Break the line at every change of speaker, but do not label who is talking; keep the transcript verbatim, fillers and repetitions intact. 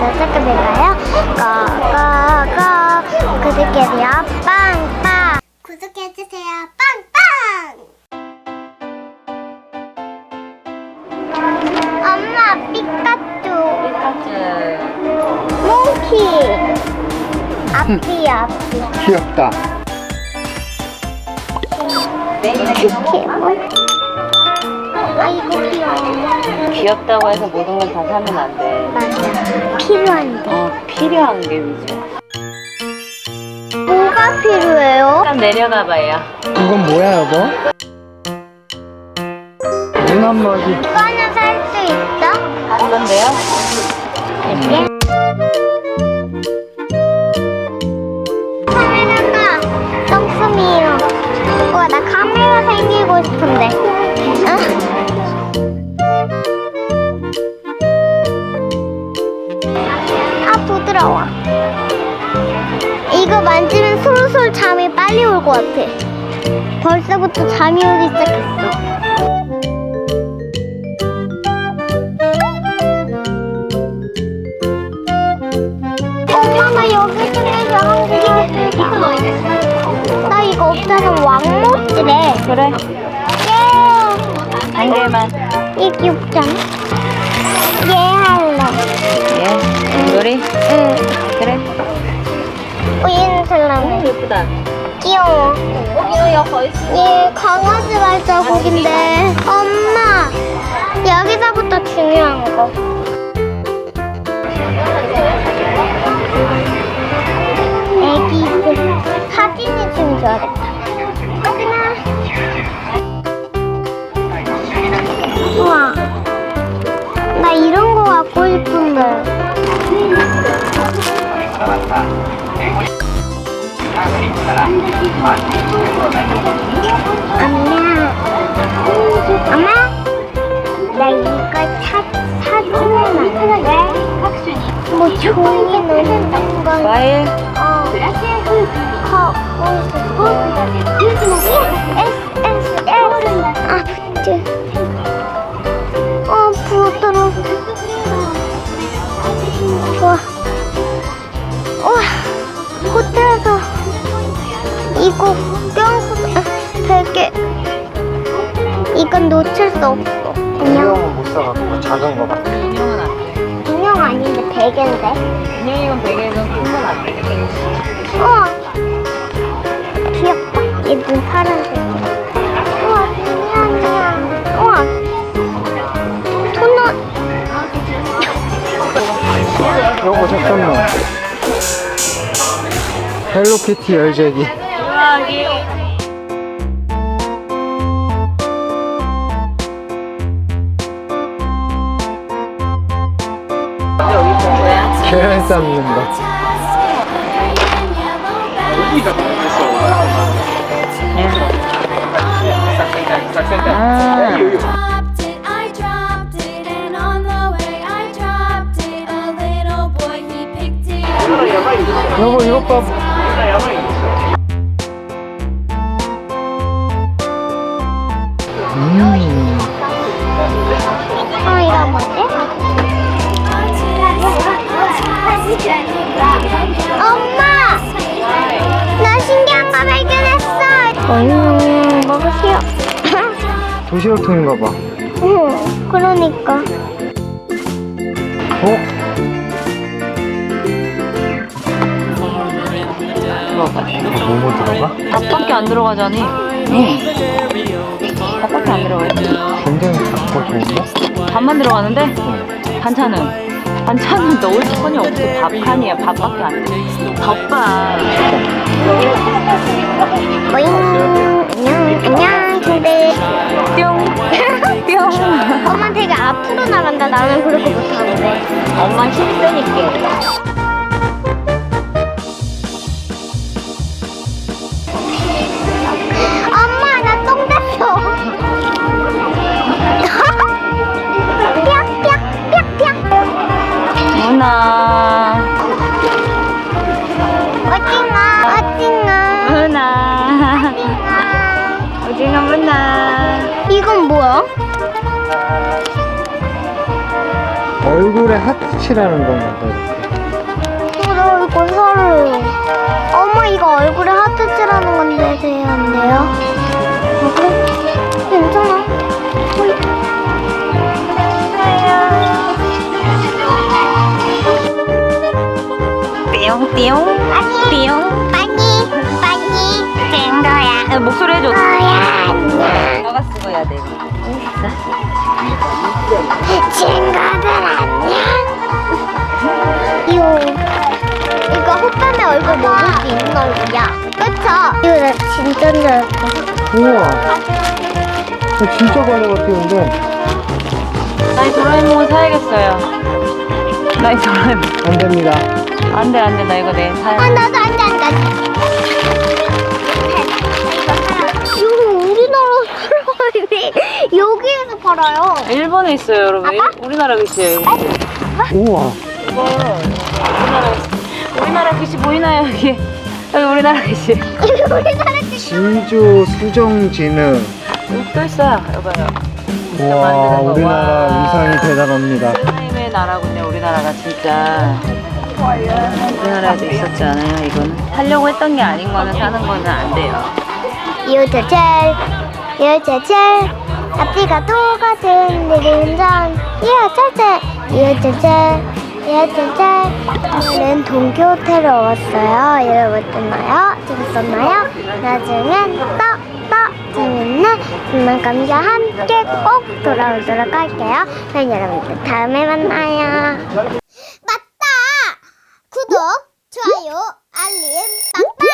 시작해볼까요? 고고고 구독해주세요. 빵빵 구독해주세요. 빵빵. 엄마 피카츄
피카츄
몽키 앞뒤야 앞뒤
귀엽다.
포켓몬. 아이고 귀여워.
귀엽다고 해서 모든 걸 다 사면 안 돼.
맞아. 필요한데.
어, 필요한 게 위주.
뭐가 필요해요?
한번 내려가 봐요.
이건 뭐야, 여보? 눈 한 마디.
이거는 살 수 있어?
다른 건데요?
예. 카메라가 똥숨이에요. 우와, 나 카메라 생기고 싶은데. 응? 아, 부드러워. 이거 만지면 솔솔 잠이 빨리 올 것 같아. 벌써부터 잠이 오기 시작했어. 엄마, 나 여기 중에서 한 개. 나 이거 없어서 왕모찌래.
그래.
예.
한 개만.
이 귀엽잖아. 예 할래.
예. 놀이?
응.
그래.
우유는 살라면.
예쁘다.
귀여워. 얘 강아지 발자국인데. 엄마, 여기서부터 중요한 거. 애기들 사진이 찍는 줄 알았다. 하지마. 우와, 나 이런 거 갖고 싶은데. 엄마, 엄마, 나 이거 사, 사주면 안 돼? 뭐 종이 넣는 거.
과일?
어. 거, 에스, 에스, 에스. 아, 부츠. 어, 부드러워. 좋아. 우와, 호텔에서 이거 껴안고 되게, 이건 놓칠 수 없어. 인형,
인형은 못 사갖고 작은 거 같아.
인형은 안 돼.
인형 아닌데 베개인데.
인형이건 베개건 큰 건 안 돼.
우와, 귀엽다. 얘 눈 파란색이야. 우와, 인형이야. 우와, 토너.
여보, 잠깐만. 헬로키티 열쇠기.
우와기. 여기 본 거야?
계란 삶는 거.
아.
dropped it, I dropped it, and on the way I dropped it. A little boy, he picked it up.
여보, 이것 봐. 음.
어, 이거 뭐지? 엄마! 나 신기한 거 발견했어! 음, 먹으세요.
도시락통인가 봐.
응, 그러니까.
어?
들어가.
이거 뭐뭐 들어가?
밥밖에 안 들어가잖니. 응. 밥밖에 안 들어가.
굉장히 작고 좋은데?
밥만 들어가는데
어.
반찬은 반찬은 넣을 스푼이 없어. 밥판이야. 밥밖에 안 돼. 덮밥.
모잉. 안녕, 안녕, 친구들.
뿅. 뿅.
엄마 되게 앞으로 나간다. 나는 그렇게 못하는데.
엄마 힘 빼니까.
엄마, 나 똥 뺐어. 뿅뿅뿅뿅.
누나.
오징어, 오징어.
누나.
오징어.
오징어 누나.
이건 뭐야?
얼굴에 하트 칠하는 건가 봐, 이렇게.
괜찮아. 어이.
띠용 띠용
아니.
띠용.
빨리, 빨리. 된 거야.
야, 목소리 해줘.
뭐야, 안녕.
너가 쓰고 해야 돼.
친구들 안녕. 이거 이거 호빵의 얼굴 먹을 수 있는 얼굴이야. 그쵸? 이거 나 진짜 줄 알았어.
우와. 저 진짜 벌레 같아, 근데.
나이 도라에몽 사야겠어요. 나이 도라에몽.
안 됩니다.
안돼 안돼 나 이거 내 사야.
아 나도 안돼 안돼 안돼. 이거 우리나라 사람이 여기에서 팔아요.
일본에 있어요 여러분. 일- 우리나라 글씨예요 이거.
우와.
이거 우리나라 우리나라 글씨 보이나요 여기? 여기 우리나라 글씨.
이거 우리나라 게
진주 수정진흥.
여기 또 있어요. 여봐요.
우와, 우리나라 위상이 대단합니다.
하나님의 나라군요. 우리나라가 진짜. 우리나라에도 있었지 않아요? 이거는 살려고 했던 게 아닌 거는 사는 거는 안 돼요.
유자철 유자철 앞뒤가 똑같은 느린전 유자철 유자철 유자철 오늘은 동교호텔에 왔어요. 여러분 어땠나요? 재밌었나요? 나중엔 또또 재밌는 장난감과 함께 꼭 돌아오도록 할게요. 그럼 여러분들 다음에 만나요. 맞다! 구독, 좋아요, 알림, 빵빵!